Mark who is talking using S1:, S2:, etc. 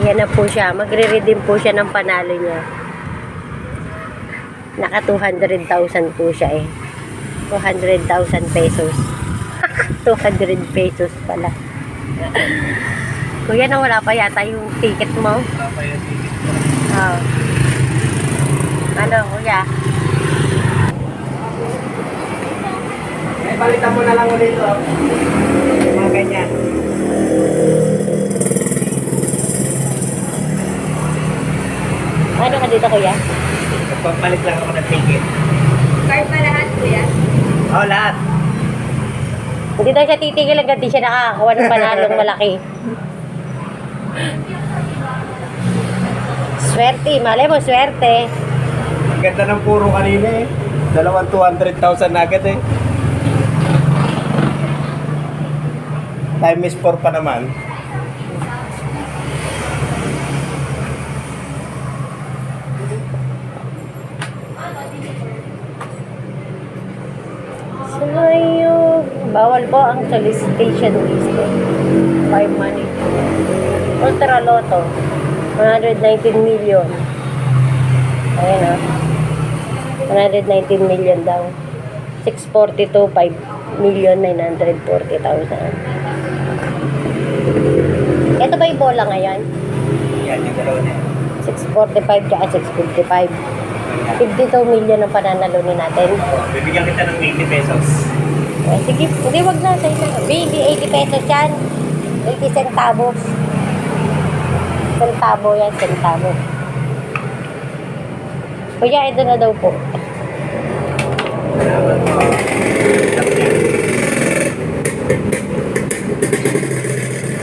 S1: Ayan na po siya. Magre-redeem po siya ng panalo niya. Naka 200,000 po siya eh. 200,000 pesos. 200 pesos pala. Kuya, nawala pa yata yung ticket mo?
S2: Wala pa yung ticket ko.
S1: Oh. Ano, kuya?
S2: Balitan mo na lang ulit ito. Mga ganyan.
S1: Ano ka dito, kuya?
S2: Magpapalit lang ako ng ticket.
S3: Card pa lahat, kuya?
S2: Oo, lahat.
S1: Hindi daw siya titigil hanggang di siya nakakakuha ng panalong malaki. Swerte, malay mo, swerte.
S2: Ang ganda ng puro kanina eh. 200,000 na agad eh. Time is 4 pa naman.
S1: Sayog. Bawal po ang solicitation list. By money. Ultra Lotto. 119 million. Ayan o. 119 million daw. 642, 5,940,000. Ito ba yung bola ngayon?
S2: Yan, yung dalawa na yan.
S1: 645 tsaka 655. 52 million ang pananalunin natin.
S2: Bibigyan kita ng 80 pesos.
S1: Eh, sige, hindi wag na. Sa'yo na. Baby, 80 pesos yan. 80 centavos. Centavo yan, centavo. Kuya, ito na daw po.
S2: Salamat po.